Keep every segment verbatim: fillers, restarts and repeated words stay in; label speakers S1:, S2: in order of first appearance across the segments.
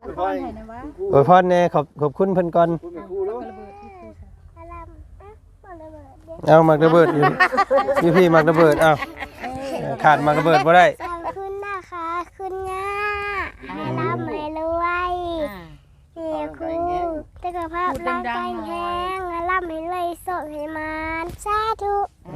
S1: โอ้ยพ่อแน่ขอบขอบคุณเพิ่นก่อนเอามักระเบิดอยู่พี่พี่มักระเบิดเอาขาดมักระเบิดบ่ได้
S2: ขอบคุณนะคะคุณย่าให้ร่ำให้รวยเฮ้คุณสุขภาพร่างกายแข็งให้ร่ำให้รวยโสดให้มันสาธุ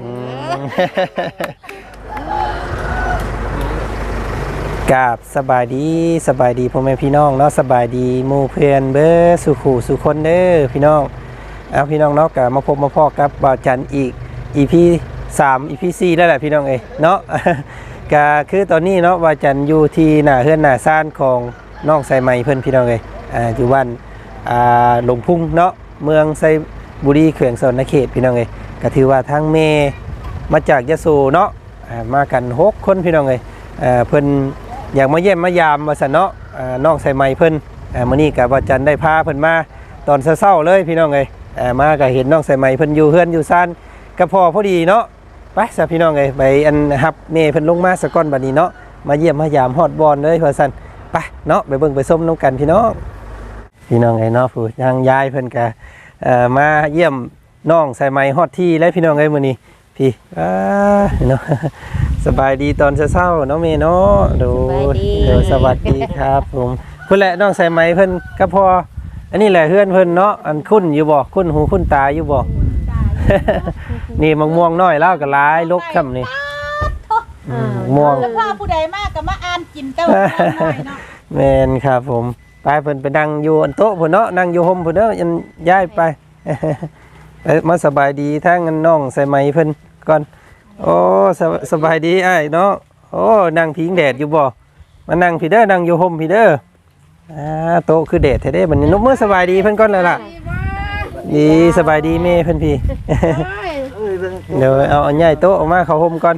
S1: กราบสบายดีสบายดีพ่อแม่พี่น้องเนาะสบายดีหมู่เพื่อนเบ้อสุขูสุคนเด้อพี่น้องเอาพี่น้องเนาะก็มาพบมาพอกับบ่าวจันอีก อี พี สาม อี พี สี่แล้วแหละพี่น้องเอ้ยเนาะ ก็คือตอนนี้เนาะบ่าวจันอยู่ที่หน้าเฮือนหน้าซ่านของน้องไซไหมเพิ่นพี่น้องเอ้ยอ่าอยู่บ้านอ่าหลงพุ่งเนาะเมืองไซบุรีแขวงสนเขตพี่น้องเอ้ยก็ถือว่าทั้งแม่มาจากยะโสเนาะอ่ามากันหกคนพี่น้องเอ้ยเอ่อเพิ่นอยากมาเยี่ยมมายามว่าซั่นเนาะอ่าน้องไซไหมเพิ่นอ่ามื้อนี้ก็บ่าวจันได้พาเพิ่นมาตอนเช้าๆเลยพี่น้องเอ้ยอ่ามาก็เห็นน้องไซไหมเพิ่นอยู่เฮือนอยู่ซ่านก็พอพอดีเนาะไปซะพี่น้องเอ้ยไปอันฮับแม่เพิ่นลงมาซะก่อนบัดนี้เนาะมาเยี่ยมมายามฮอดบอนเลยว่าซั่นไปเนาะไปเบิ่งไปส้มน้ำกันพี่น้องพี่น้องไอ้เนาะผู้ทางยายเพิ่นก็เอ่อมาเยี่ยมน้องไซไหมฮอดที่แล้วพี่น้องเอ้ยมื้อนี้พี่อ่าเนาะสบายดีตอนเช้าๆเนาะแม่เนาะดูเดี๋ยวสวัสดีครับผมเพิ่นแหละน้องไซไหมเพิ่นก็พออันนี้แหละเฮือนเพิ่นเนาะอันคุ้นอยู่บ่คุ้นหูคุ้นตาอยู่บ่นี่มะม่วงน้อยแล้วก็หลายลกค่ำนี่ม่วง
S3: แล้วพ่อผู้ใดมากก็มาอ่านกินเต้าน้อยเนาะ
S1: แม่นครับผมไปเพิ่นไปนั่งอยู่อันโต๊ะพุ่นเนาะนั่งอยู่ห่มพุ่นเด้อยันย้ายไปไปมาสบายดีทั้งน้องใส่ไหมเพิ่นก่อนโอ้สบายดีอ้ายเนาะโอ้นั่งพิงแดดอยู่บ่มานั่งพี่เด้อนั่งอยู่ห่มพี่เด้ออ่าโต๊ะคือแดดแท้เด้บัดนี้นกมื้อสบายดีเพิ่นก่อนแล้วล่ะดีสบายดีแม่เพิ่นพี่เดี๋ยวเอาอันใหญ่โต๊ะออกมาเข้าห่มก่อน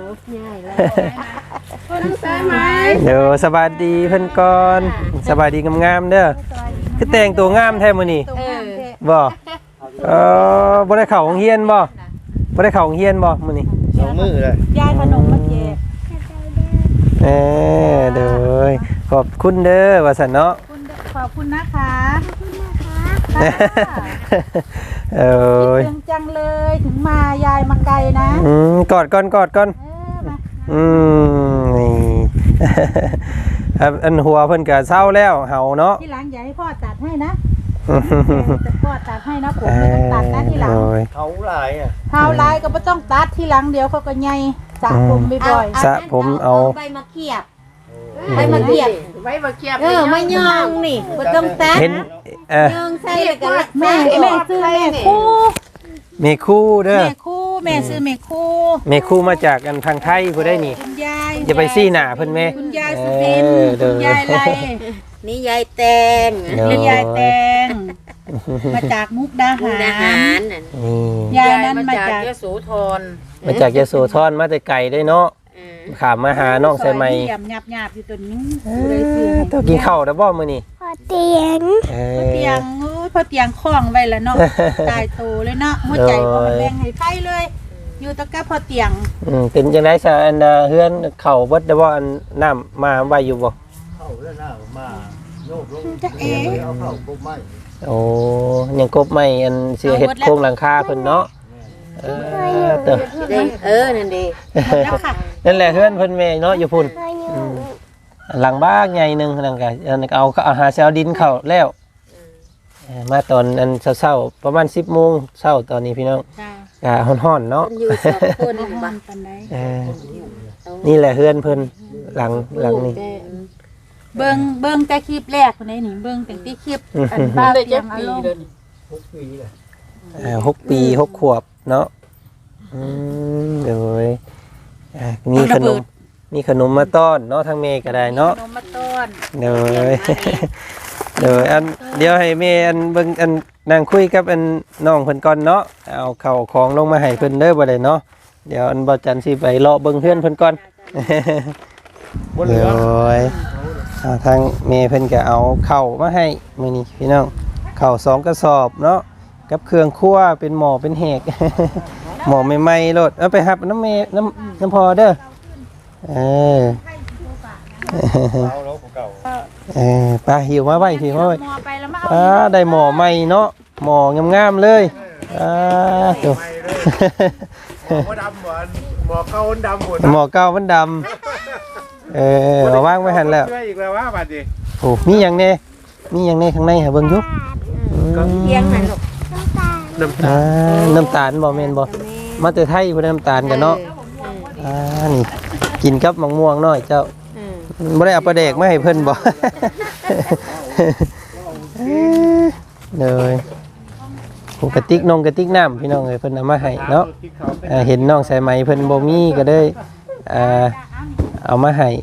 S1: เดี๋ยวสบายดีเพิ่นก่อนสบายดีงามๆเด้อคือแต่งตัวงามแท้มื้อนี้บ่เออบ่ได้เข้าโรงเรียนบ่บ่ได้เข้าโรงเรียนบ่มื้อนี้
S4: สองมื้อเลย
S3: ยายขนมมาแจก
S1: เออเด้อขอบคุณเด้อว่าซั่นเนาะ
S3: ขอบคุณนะคะ
S1: เออ
S3: คิดถึงจังเลยถึงมายายมาไกลนะ
S1: อืมกอดก่อนกอดก่อนอืมนี่อันหัวเพิ่นก็เศร้าแล้วเห่าเนาะ
S3: ที่หลังอย่าให้พ่อตัดให้นะพ่อตัดให้นะผมไม่ต้องตัดนะที่หลัง
S4: เขาลายอ่ะ
S3: เขาลายก็ไม่ต้องตัดที่หลังเดี๋ยวเขาก็ใหญ่สระผมบ่อย
S1: ๆสระผมเอา
S5: ใบมะเขียบใบมะเขียบ
S3: ใบมะเขียบ
S5: เออมะยองนี่บ่ต้องตัด
S1: เห็นเออย
S5: องใส่แล้วก็
S3: แม่แม่ซื้อแม่คู่
S1: แม่คู่เด้อ
S3: แม่คู่แม่ซื้อแม่คู่
S1: แม่คู่มาจากกันทางไทยผู้ได้นี่
S3: คุณยาย
S1: อย่าไปซี่หน้าเพิ่นแม่
S3: คุณยายสุบินคุณยายไร
S5: นี่ยายแตง
S3: นี่ยายแตงมาจากมุกดาหารยายนั้นมาจากยโสธร
S1: มาจากยโสธรมาแต่ไกลได้เนาะขามมาหาน้องใส่ไหม
S3: หยาบหยาบหยาบอยู่ตัวนี้
S1: ต้องกินข้าวแล้วบ่มื้อนี้
S2: พอเตียง
S3: พอเตียงพอเตียงคล้องไว้แล้วเนาะตายโตเลยเนาะหัวใจพอมันแรงให้ไฟเลยอยู่ตะกับพอเตียง
S1: อืมเป็นจังได๋ซะอันเฮือนเข้าเบิดได้บ่อันน้ำมาไว้อยู่บ่
S4: เข้าแล้วน้ำมาโยกลงเอาเข้ากบไม้
S1: โอ้ยังกบไม้อันสิเฮ็ดโครงหลังคาเพิ่นเนาะเออเด้อ
S5: เออนั่นดิ
S1: นั่นแหละเฮือนเพิ่นแม่เนาะอยู่พุ่นหลังบ้านใหญ่นึงนั่นก็เอาเอาหาเช้าดินเข้าแล้วมาตอนอันเช้าๆประมาณ สิบโมงเช้าตอนนี้พี่น้องก็ร้อนๆเนาะ
S5: อยู่สองคน
S3: บ้านปานใด
S1: เออนี่แหละเฮือนเพิ่นหลังหลังนี้
S3: เบิ่งเบิ่งแต่คลิปแรกคนนี้นี่เบิ่งแต่ที่คลิปอันบ้าเตียงอารมณ์
S4: หกปีเลย
S1: อ่าหกปีหกขวบเนาะอืมเดี๋ยวอ่ามีขนมมีขนมมาต้อนเนาะทางเมย์ก็ได้เนาะ
S3: ขนมมาต้อน
S1: เดี๋ยวเดี๋ยวอันเดี๋ยวให้เมย์อันเบิ่งอันนั่งคุยกับอันน้องเพิ่นก่อนเนาะเอาข้าวของลงมาให้เพิ่นเด้อบ่ได้เนาะเดี๋ยวอันบ่จันสิไปเลาะเบิ่งเพื่อนเพิ่นก่อนเดี๋ยวทางเมย์เพิ่นก็เอาข้าวมาให้มื้อนี้พี่น้องข้าวสองกระสอบเนาะกับเครื่องครัวเป็นหม้อเป็นแหกหม้อใหม่ๆโลดเอาไปหับน้ำเมย์น้ำน้ำพอเด้อเออเออไปหิวมาไว้หิวมาไว้
S3: หมอไปแล้วมา
S1: อ่า
S3: เอา
S1: ได้หมอใหม่เนาะหมองามๆเลยอ่าตัว
S4: หมอก็ดำเหมือนหมอเก่าดำหมด
S1: หมอเก่ามันดำเออเอาวางไว้หันแล้ว
S4: ช่วยอีกแล้วว่าบัดนี้
S1: โอ้มีหยังแน่มีหยังแน่ข้างในหาเบิ่งอยู่
S5: เพียงนั่นลูก
S2: น้ำตาล
S4: น้ำตาล
S1: อ่าน้ำตาลบ่แม่นบ่มาแต่ไทยเพิ่นน้ำตาลกันเนาะอ่านี่กินกับมะม่วงน้อยเจ้า
S5: อืม
S1: บ่ได้เอาปลาแดกมาให้เพิ่นบ่ เลยโอ้กระติกนงกระติกน้ำพี่น้องเอ้ยเพิ่นเอามาให้เนาะอ่าเห็นน้องสายไหมเพิ่นบ่มีก็เลยอ่าเอามาให้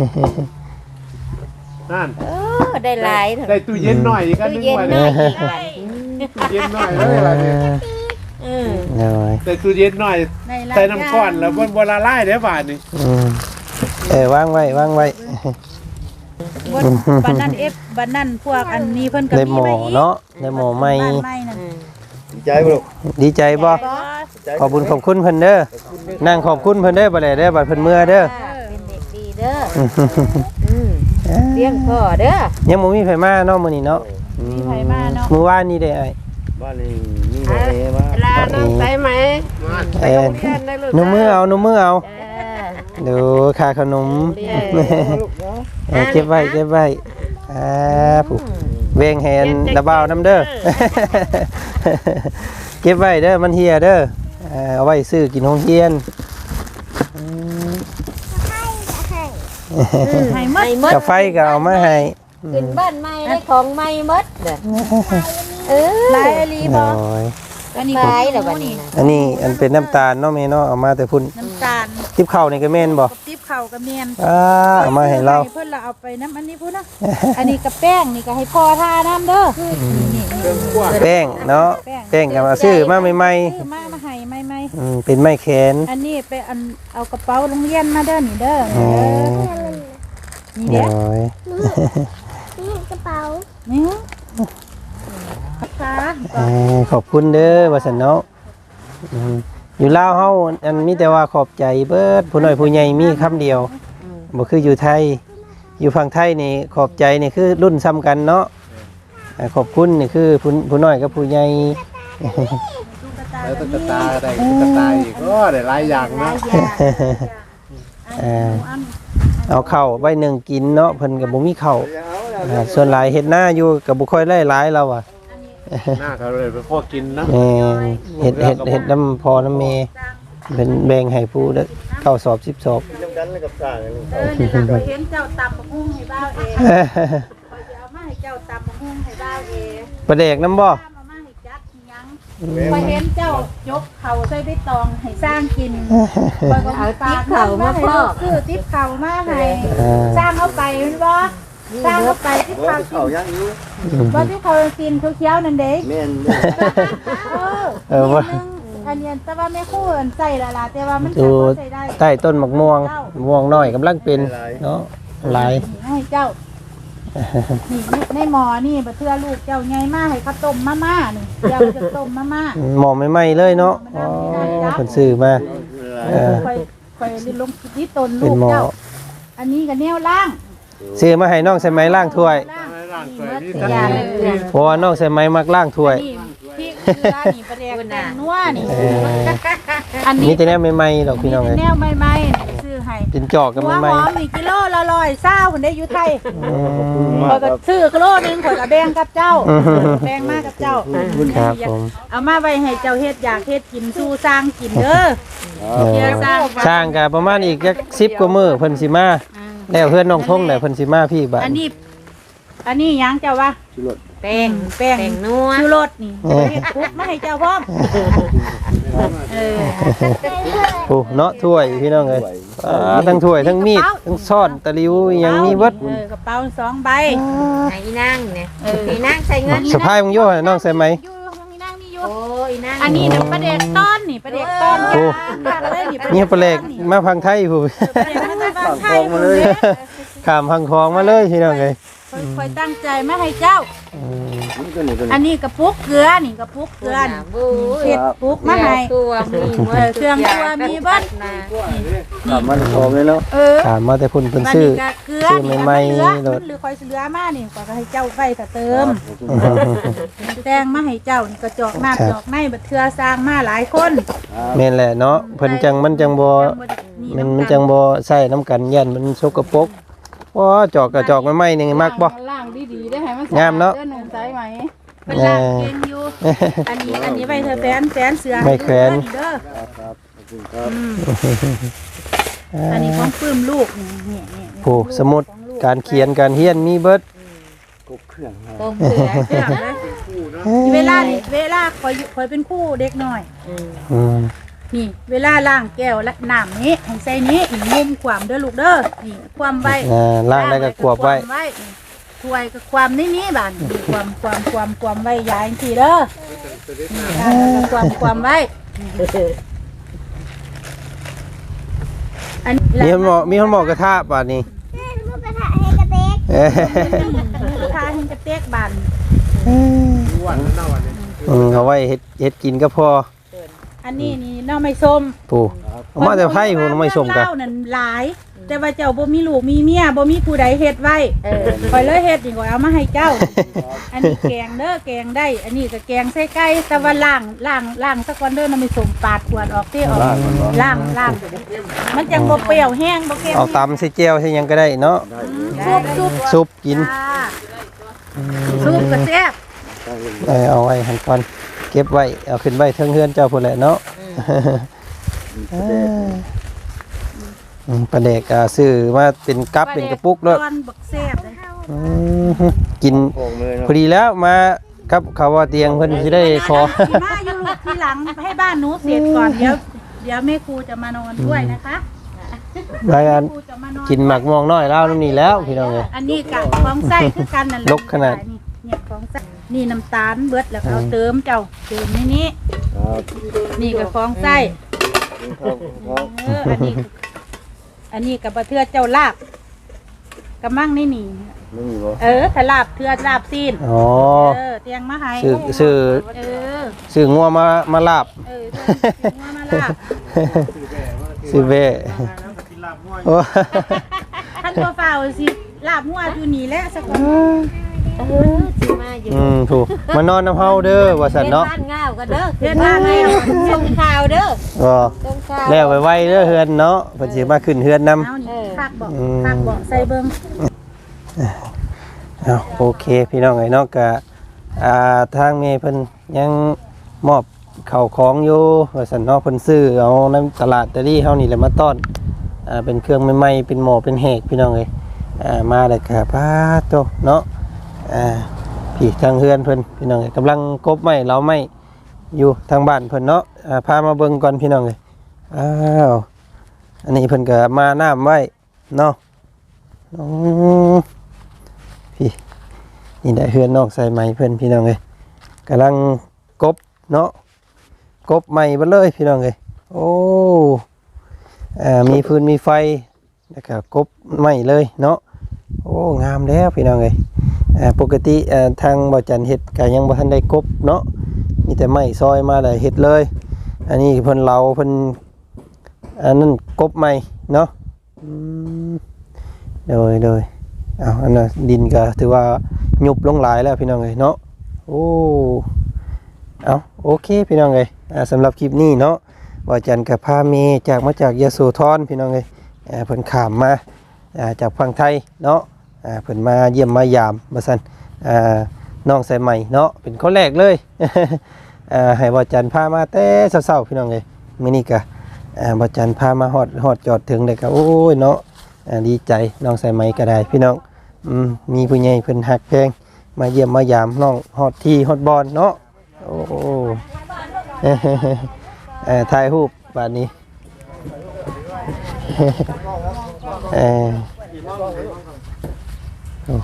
S4: นั่น
S5: เออได้หลายเถ
S4: ได้
S5: อะ
S4: ตู้เย็นหน่อยอีกอัน
S5: ตู้
S4: นึง
S5: เย็น
S4: วัน
S5: หน่
S4: นี้
S5: อยอีกบัด
S4: ตู้เย็นหน่อยเลยบัดนี้
S5: อืม
S1: เลย
S4: ได้ตู้เย็นหน่อยใส่น้ำก้อนแล้วบนบนละลายเด้อบาดนี้
S1: อืมเออวางไว้วางไว้
S3: บนบันนั้นเอฟบันนั้นพวกอันนี้เพิ่นก็
S1: ได้
S3: มี
S1: หมอ
S3: ไว้อีก
S1: เนาะได้หมอใหม่
S3: บ้านใหม่นั่น
S5: อืม
S4: ใจบ่ลูก
S1: ดีใจบ่
S3: บ่
S1: ขอบคุณขอบคุณเพิ่นเด้อนั่งขอบคุณเพิ่นเด้อบ่ได้เด้อบัดเพิ่นเมื่อเด้อ
S5: เป็นเด็กดีเด้ออืมเลี้ยงพ่อเด้อ
S1: ยังบ่มีไผมาเนาะมื้อนี้เนาะ
S3: มีไผมาเนาะ
S1: มื้อวานนี้ได้ไอ้
S4: บ้านนี้มีบ่เอว่า
S5: ลาน้องใส่ไหม
S1: เอ้หนูมือเอาหนูมือเอา
S5: เออ
S1: ดูค่าขนมเออเก็บไว้เก็บไว้อ่าผู้เวงแหนระบาวน้ำเด้อ เก็บไว้เด้อมันเฮียเด้ออ่าเอาไว้ซื้อกินโรงเรียน
S3: ให้หมด
S5: ให้หมด
S1: กาไฟก็เอามาให้
S5: ขึ้นบ้านใหม่ได้ของใหม่หมดเด้อเออ
S3: หลายอหลีบ่
S1: น้อย
S3: อันนี้
S5: หลายแล้วบัดนี้นะ
S1: อันนี้อันเป็นน้ำตาลเนาะแม่เนาะเอามาแต่พุ่น
S3: น้ำตาล
S1: ทิพข้าวนี่ก็แม่นบ่
S3: กับติ๊บข้าวกับเมียน
S1: อ่าเอามาให้เรา
S3: เพิ่นละเอาไปน้ำอันนี้พุ่นนะอันนี้กับแป้งนี่ก็ให้พ่อทาน้ำเด้อนี่
S4: เครื่องคั่ว
S1: แป้งเนาะแป้งก็มาซื้อมาใหม่
S3: ซื้อมามาให้ใหม่
S1: ๆอืมเป็นไม้แขน
S3: ๆอันนี้ไปอันเอากระเป๋าโรงเรียนมาเด้อนี่เด้อ
S1: อ๋อ
S3: นี่เด้อ
S1: น้อย
S2: นี่กระเป๋า
S3: นี่ค่ะ
S1: เอ่อขอบคุณเด้อว่าสันเนาะอืมอยู่ลาวเฮาอันมีแต่ว่าขอบใจเบิดผู้น้อยผู้ใหญ่มีคำเดียวบ่คืออยู่ไทย อยู่ฝั่งไทยนี่ขอบใจนี่คือรุ่นซ้ำกันเนาะอ่าขอบคุณนี่คือผู้ผู้น้อยกับผู้ใหญ่
S4: แล้วตุ๊กตาได้ตุ๊กตาอีกก็ได้หลายอย่างนะ
S1: เอ่อเอาข้าวไว้หนึ่งกินเนาะเพิ่นก็บ่มีข้าวอ่าส่วนหลายเฮ็ดหน้าอยู่ก็บ่ค่อยได้หลายแล้วอ่ะ
S4: หน้าเขาเลยเป็นพวกกินนะ
S1: แม่นเฮ็ดเฮ็ดเฮ็ดน้ำพอน้ำเมเป็นแบ่งให้ผู้ละเก้าสอบสิบสอบ
S4: น้ำกันเลยกับกาเลย
S3: เออนี่ล่ะข้อยเห็นเจ้าตำบักหุ่งให้บ้าวเองข้อยจะเอามาให้เจ้าตำบักหุ่งให้บ้าวเอง
S1: ประเดกน้ำบ่
S3: เอามาให้จักยังข้อยเห็นเจ้ายกเข่าใส่ใบตองให้สร้างกินข้อยก็
S5: เอาติ๊บเข่ามาพ่อ
S3: ซื้อติ๊บเข่ามาให้
S1: อ่า
S3: สร้างเอาไปแม่นบ่สร้างเอาไปติ๊บเข่ากิน
S4: เขาย่างนี้
S3: บ่ติ๊บเข่ากินเขียวๆนั่นเด้
S4: แม่น
S3: เออ
S1: เออว่า
S3: อันนี้แต่ว่าไม่คู่อันใส่ละล่ะแต่ว่ามัน
S1: ดู
S3: จะบ่ใส่ได้
S1: ใต้ต้นมะม่วงม่วงน้อยกำลังเป็นเนาะหลาย
S3: ให้เจ้า นี่ในหม้อนี่บ่เทื่อลูกเจ้าใหญ่มากให้เขาต้มมาม่านี่เจ้าจะต้มมาม่า
S1: หมอใหม่ๆเลยเนาะอ๋อเพิ่นซื้อมา เออ
S3: ค่อยค่อยลงที่ต้นลู
S1: เป็น
S3: ก
S1: หมอ
S3: เจ้า อันนี้ก็แนวล่าง
S1: ซื้อมาให้น้องใส่ไม้ล้างถ้วย
S3: ล่าง
S4: ร่างสวยนี่
S5: อย่าเลยเพื่อน
S1: เพราะว่าน้องใส่ไม้มักล้างถ้วย
S3: นี่พริกเกลือนี่ปลาแดกแตงนัวนี่
S1: เออ
S3: อันนี้
S1: มีแต่แนวใหม่ๆดอกพี่น้อง
S3: เป็
S1: เอ้
S3: น
S1: ย
S3: แนวใหม่ๆนี่ซื้อให้
S1: เป็นจอกกัน
S3: หัว
S1: ให
S3: ห
S1: ม่
S3: อมนี่กิโลละร้อยเศร้าคนได้อยู่ไทย
S1: ๆอืม
S3: ข่อยก็ซื้อกิโลหนึงข่อยก็แบ่งกับเจ้าแบ่งมากับเจ้า
S1: ครับผม
S3: เอามาไว้ให้เจ้าเฮ็ดอยากเฮ็ดกินสู้สร้างกินเด้อ
S1: เอ
S3: เดี๋ย
S1: อ
S3: วสร้าง
S1: สร้างก็ประมาณอีกจักสิบกว่ามื้อเพิ่นสิมาแล้วเพื่อนน้องทงได้เพิ่นสิมาพี่บัด
S3: อันนี้ อันนี้หยังเจ้าวะ
S5: แป้ง
S3: แป้ง
S5: แป้งนัว
S3: ชูรสนี่เฮ็ดปุ๊บมาให้เจ้าพร้อมเออ
S1: โอ้เนาะถ้วยพี่น้องเอ้ยอ่าทั้งถ้วยทั้งมีดทั้งช้อนตะหลิวอิหยังมีเบิด
S3: เออกระเป๋าสองใบ
S5: ให้อีนางเนี่ยอีนางใส่เงิน
S1: สะพายมึงโย่ให้น้องใส่ไหม
S3: อยู่ห้องนี้นั่งนี่อยู่
S5: โอ้ยนาง
S3: อันนี้น่ะปลาแดกต้อนนี่ปลาแดกต้อน
S1: โอ้
S3: ยากเลยนี่
S1: นี่ปลาแหลกมาพังไทยผู้
S3: ปลาแดกมาจากบ้านไทยมาเลย
S1: ข้ามพังคลองมาเลยพี่น้องเอ้ย
S3: ค่อยตั้งใจมาให้เจ้า
S1: อืม
S4: นี่ก็นี่ก็
S3: อั
S4: นี่
S3: นนี้กระปุกเกลือนี่กระปุกเกลือนี่
S5: บู๊
S3: เฮ็ดปุกมาให้
S5: ตัวมีหมด
S3: เออเครื่องครัวมีเบิด
S5: นะ
S4: ถามมันพร้อมเลยเนาะ
S3: เออ
S1: ถามมาแต่เพิ่นเพิ่น
S3: บัด
S1: ซื้อ
S3: นี้ก็เกลือ
S1: ซื้อ
S3: นี่
S1: ใหม่
S3: มันเหลือ
S1: ๆโดด
S3: มันเหลือคอยเหลือมานี่ก็ให้เจ้าไว้ถ้าเติม
S1: อืม
S3: แตงมาให้เจ้านี่ก็จอกน้ำจอกในบัดเทื่อสร้างมาหลายคน
S1: แม่นแหละเนาะเพิ่นจังมันจังบ่มันมันจังบ่ใส่น้ำกันยันมันสกปรกว้าจอกกระจอกใหม่ๆนี่มักบ่
S6: ล่างดีๆได้ให้มัน
S1: งามเนาะ
S6: เด้อหนุ่มใจไหม
S3: เป็นลางเก่งอยู่อันนี้อันนี้ไว้เธอแฟนแฟนเสือ
S1: ไม่แขวน
S3: เด้อ
S4: ครับขอบคุณครับ
S3: อืมอันนี้ของปลื้มลูกนี่นี่นี่
S1: โอ้สมุดการเขียนการเฮียนมีเบิด
S4: กบเครื่องครับ
S5: ต้มเสือ
S3: เรื่องเลยเวลานี่เวลาคอยอยู่คอยเป็นคู่เด็กหน่อย
S1: อืม
S3: นี่ เวลาล้างแก้วและน้ำนี้ให้ใส่นี้อีกมุมความเด้อลูกเด้อนี่ความไว้
S1: อ่าล่างแล้วก็กวบไว้
S3: นี่ถ้วยกับความนี่นี่บ้านนี่ความความความความไว้ยายทีเด้อนี่ล่างแล้วก็ความความไว้อัน
S1: มีคนบอกมีคนบอกกระทะบาดนี้
S2: ลูกกระทะให้กระเต็ก
S1: เอ้ย
S3: ลูกค้าให้กระเตกบาน
S1: อืมเอาไว้เฮ็ดเฮ็ดกินก็พอ
S3: อันนี้นี่น้องไม่ส้ม
S1: ปู่เอามาแต่ไผพุ่นไม่สมกัน
S3: เล่านั่นหลาย แต่ว่าเจ้าบ่มีลูกมีเมียบ่มีผู้ใดเฮ็ดไว้
S5: เออ
S3: คอยเลยเฮ็ดนี่ก็เอามาให้เจ้า อันนี้แกงเด้อแกงได้ อันนี้ก็แกงใส่ไก่แต่ว่าล้างล้างล้างสักวันเด้อน้ำไม่ส้มปาดขวดออกที่ออกล้างล้างมันจังบ่เปรี้ยวแห้งบ่เค็ม
S1: เอาตำใส่แจ่วใส่หยังก็ได้เนาะ
S3: ซุปซุป
S1: ซุปกิน
S3: จ้าซุปก็แซ่บ
S1: เออเอาไว้หั่นก่อนเก็บไว้เอาขึ้นไว้เทิงเฮือนเจ้าพุ่นแหละเนาะอืมปลาแดกอ่าซื้อมาเป็นกับเป็นกระปุกด้วย
S3: ตอนบักแซ่บเลย
S1: อืมกิน
S4: โป่งเลย
S1: พ
S4: เนาะ
S1: อดีแล้วมากับเขาว่าเตียงเพิ่นสิได้ขอ
S3: สิมาอยู่ลูกทีหลังให้บ้านหนูเสร็จก่อนเดี๋ยวเดี๋ยวแม่ครูจะมานอนด้วยนะคะ
S1: รายงาน
S3: ครูจะมานอน
S1: กินหมักมองน้อยแล้วนี่แล้วพี่น้องเอ้ย
S3: อันนี้กับของไส้คือกันนั่นแหละ
S1: ลกขนาด
S3: นี่เนี่ยของไส้นี่น้ำตาลเบิดแล้วก็เอาเติมเจ้าเติมในนี้
S4: ครับ
S3: นี่กับของไส้
S4: ครับครับ
S3: เอออันนี้ อันนี้กับบะเทือเจ้าลาบกระมังนี่นี่
S4: ไม่มีบ่
S3: เออถ้าลาบเทือลาบซีน
S1: อ๋อ
S3: เออเตียงมาให้
S1: ซื้อซื้อ
S3: เออ
S1: ซื้องัวมามาลาบ
S3: เออเตียงมาลาบ
S1: ซื้อเบ้โอ้
S3: ท่านตัวเฝ้าสิลาบหัวอยู่นี่แหละสักคน
S5: เออสิมาอยู่
S1: อืมถูกมานอนน้ำเฮาเด้อว่าซั่นเนาะ
S5: บ้านง่าวกันเด้อเฮ็ดบ้านง่าวส่งข่าวเด้อ
S1: ก็
S5: ส่งข่าว
S1: แล้วไว้ๆเด้อเฮือนเนาะเพิ่นสิมาขึ้นเฮือนนำ
S3: เอานี่คักบอกคักบอกใส่เบิ่ง
S1: เอาโอเคพี่น้องไอ้เนาะก็อ่าทางเมย์เพิ่นยังมอบข้าวของอยู่ว่าซั่นเนาะเพิ่นซื้อเอาในตลาดตะลี่เฮานี่แหละมาต้อนอ่าเป็นเครื่องใหม่ๆเป็นหม้อเป็นแหกพี่น้องเอ้ยอ่ามาแล้วก็พาโตเนาะอ่าพี่ทางเฮือนเพิ่นพี่น้องเอ้ยกำลังกบไม้เราไม้อยู่ทางบ้านเพิ่นเนาะอ่าพามาเบิ่งก่อนพี่น้องเอ้ยอ้าวอันนี้เพิ่นก็มาน้ำไว้เนาะอืมพี่นี่ได้เฮือนนอกใส่ไม้เพิ่นพี่น้องเอ้ยกำลังกบเนาะกบไม้เบิดเลยพี่น้องเอ้ยโอ้อ่ามีพื้นมีไฟแล้วก็กบไม้เลยเนาะโอ้งามแล้วพี่น้องเอ้ยอ่าปกติอ่าทางบ่จันเฮ็ดก็ยังบ่ทันได้กบเนาะมีแต่ไม้ซอยมาแล้วเฮ็ดเลย อันนี้เพิ่นเหลาเพิ่นอันนั้นกบไม้เนาะอืมโดยโดยเอาอันน่ะดินก็ถือว่ายุบลงหลายแล้วพี่น้องเอ้ยเนาะโอ้เอาโอเคพี่น้องเอ้ยอ่าสำหรับคลิปนี้เนาะว่าจันกับพาเมจากมาจากยโสธรพี่น้องเอ้ยอ่าเพิ่นข้ามมาอ่าจากฝั่งไทยเนาะอ่าเพิ่นมาเยี่ยมมายามว่าซั่นอ่าน้องสายใหม่เนาะเป็นคนแรกเลย อ่าให้บ่จันพามาแต่เช้าๆพี่น้องเอ้ยมื้อนี้ก็อ่าบ่จันพามาฮอดฮอดจอดถึงได้ก็โอ้ยเนาะอ่าดีใจน้องสายใหม่ก็ได้พี่น้องอืมมีผู้ใหญ่เพิ่นฮักแพงมาเยี่ยมมายามน้องฮอดที่ฮอดบอลเนาะโอ้โห เอ่อถ่ายรูปบาดนี้ เอ่อโอ้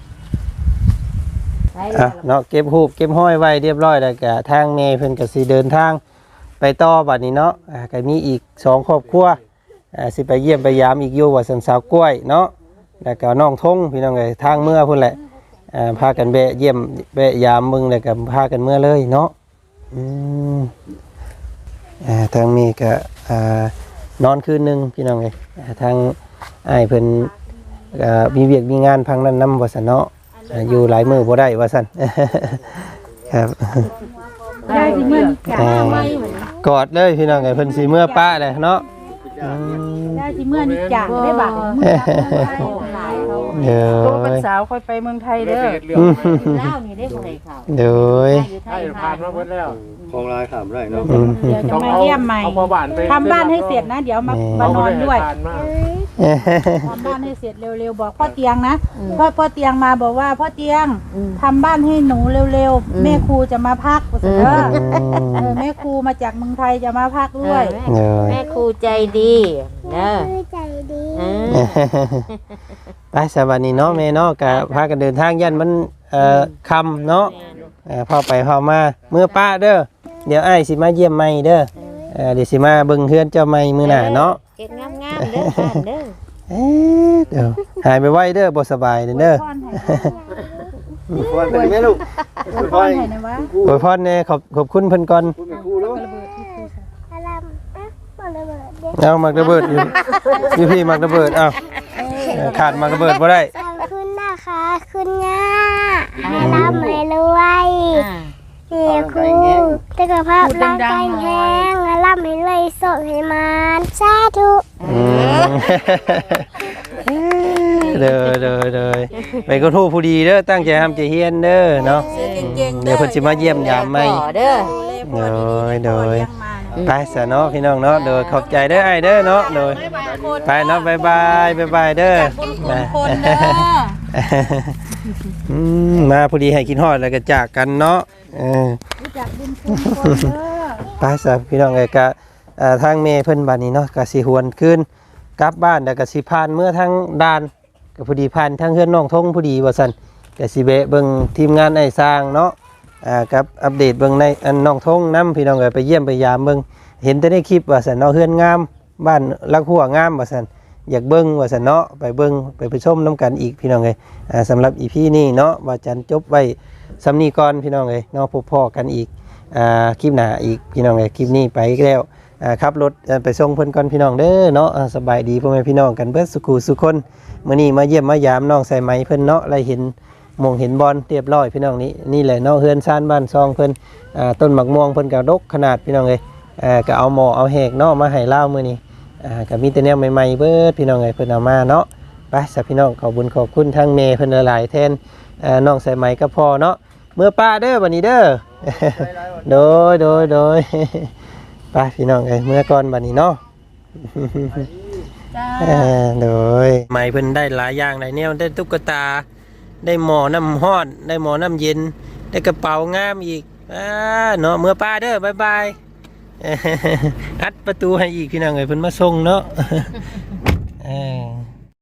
S1: อ่ะเนาะเก็บรูปเก็บห้อยไว้เรียบร้อยแล้วก็ทางเมย์เพิ่นก็สิเดินทางไปต่อบัดนี้เนาะอ่าก็มีอีกสองครอบครัวอ่าสิไปเยี่ยมไปยามอีกอยู่ว่าสันสาวกล้วยเนาะแล้วก็น้องทงพี่น้องเอ้ยทางเมื่อพุ่นแหละอ่าพากันแวะเยี่ยมแวะยามมึงแล้วก็พากันเมื่อเลยเนาะอืมอ่าทางนี้ก็อ่านอนคืนหนึงพี่น้องเอ้ยอ่าทางอ้ายเพิ่นก็มีเวียกมีงานพังนั้นนำว่าซั่นเนาะอ่าอยู่หลายมื้อบ่ได้ว่าซั่น ครับ
S3: ได้สิเมื่อนี่จ้ะ
S1: อ่ากอดเลยพี่น้องเอ้ยเพิ่นสิเมื่อป้าเลยเนาะอืม
S3: ได้สิเมื่อนี่จ้ะได้บัตร
S1: เด้อ
S5: โตเป็นสาวค่อยไปเมืองไทยเด้อ
S4: เรื่อง
S5: เล่านี่ได้บ่ให้เขา
S1: เด้อ
S5: อยู่ไท
S4: ให้
S5: ย
S4: ผ่านมาหมดแล้วของลายถามได้เนาะ
S1: อืม
S3: เดี๋ยวจะมาเยี่ยมใหม่
S4: เอาพอบ้านไป
S3: ทำบ้านให้เสร็จนะ เดี๋ยวมา
S1: แม่
S3: มานอนด้วย
S4: ผ่านมา
S3: ทำบ้านให้เสร็จเร็วๆบอกพ่อเตียงนะพ่อพ่อเตียงมาบอกว่าพ่อเตียงทำบ้านให้หนูเร็วๆแม่ครูจะมาพักว่าซั่นเด้อเออแม่ครูมาจากเมืองไทยจะมาพักด้วย
S1: เด้อ
S5: แม่ครูใจดีเด้อ
S2: คือใจดี
S5: อืม
S1: ไปสวัสดีเนาะแม่เนาะก็พากันเดินทางยันมันเอ่อค่ำเนาะเอ่อพอไปพอมาเมื่อป้าเด้อเดี๋ยวอ้ายสิมาเยี่ยมใหม่เด้อเอ่อเดี๋ยวสิมาเบิ่งเฮือนเจ้าใหม่มื้อหน้าเนาะ
S5: เก็บงามๆเด้อบ้านเด้อ
S1: เอ๊ะเดี๋ยวหายไปไวเด้อบ่สบายเด้อเด้อ
S3: พ่อนให้
S4: พรเป็นไหมลูกพ
S3: พ่อ
S4: ร
S3: นให้นะวะ
S1: โอ้ยพรแน่ขอบขอบคุณเพิ่นก่อน
S4: คุณเป็นครูแล้ว
S2: อารมเอ๊ะบอกระเบิดเด็ก
S1: เอามักระเบิดอยู่อยู่พี่มักระเบิดเอาเออขาดมักระเบิดบ่ได้
S2: ขอบคุณนะคะคุณย่าให้ร่ำให้รวย
S5: อ่า
S2: เฮียครูสุขภาพร่างกายแข็งให้ร่ำให้รวยสุขให้มานสาธุ
S1: อืมเด้อเด้อเด้อไปก็ทูผู้ดีเด้อตั้งใจทำใจเฮียนเด้อเนาะเดี๋ยวเพิ่นสิมาเยี่ยมยามใหม่
S5: ต่อเด้อ
S1: โดยโดย
S3: เลี้ยงมาเนี่ย
S1: ไปซะเนาะพี่น้องเนาะโดยขอบใจเด้อไอ้เด้อเนาะโดยไปเนาะบ๊ายบายบ๊ายบายเด้อ
S3: คนเด้อ
S1: อืมมาพอดีให้กินฮอดแล้วก็จากกันเนาะเออ
S3: รู้จักบุญคุณคนเด้อ
S1: ไปซะพี่น้องเอ้ยก็เอ่อทางแม่เพิ่นบัดนี้เนาะก็สิหวนคืนกลับบ้านแล้วก็สิผ่านเมื่อทางด่านก็พอดีผ่านทางเฮือนน้องทงพอดีว่าซั่นก็สิแวะเบิ่งทีมงานไอ้สร้างเนาะอ่ากับอัปเดตเบิ่งในอันน้องทงนํพี่น้องเอ้ยไปเยี่ยมไปยามเบิ่งเห็นแต่ในคลิปว่าซั่นเนาะเฮือนงามบ้านลักหัวงามว่าซั่นอยากเบิ่งว่าซั่นเนาะไปเบิ่งไปไปชมนํกันอีกพี่น้องเอ้ยอ่าสำหรับ อี พี นี้เนาะว่าจันจบไว้สำนี้ก่อนพี่น้องเอ้ยเนาะพบพ้อกันอีกอ่าคลิปหน้าอีกพี่น้องเอ้ยคลิปนี้ไปอีกแล้วอ่าขับรถเอ่อไปส่งเพิ่นก่อนพี่น้องเด้อเนาะอ่าสบายดีพ่อแม่พี่น้องกันเบิดสุขุสุคนมื้อนี้มาเยี่ยมมายามน้องใส่ไหมเพิ่นเนาะได้เห็นหมองเห็นบอลเรียบร้อยพี่น้องนี้นี่แหละเนาะเฮือนซ่านบ้านซองเพิ่นอ่าต้นหมักม่วงเพิ่นก็ดกขนาดพี่น้องเอ้ยอ่าก็เอาหม้อเอาแหกเนาะมาให้เล่ามื้อนี้อ่าก็มีแต่แนวใหม่ๆเบิดพี่น้องเอ้ยเพิ่นเอามาเนาะไปสักพี่น้องขอบคุญขอบคุณทั้งแม่เพิ่นหลายๆแทนอ่าน้องใส่ไหมก็พอเนาะเมื่อป้าเด้อบัดนี้เด้อ โดยโดยโดย ไปพี่น้องเอ้ยเมื่อก่อนบัดนี้เนาะ
S3: จ้า
S1: เออโดยไหมเพิ่นได้หลายอย่างหลายแนวได้ตุ๊กตาได้หมอน้ำห้อนได้หมอน้ำเย็นได้กระเป๋างามอีกอ่าเนาะเมื่อป้าเด้อบายบาย อัดประตูให้อีกพี่น้องเอ้ยเพิ่นมาส่งเนาะ เออ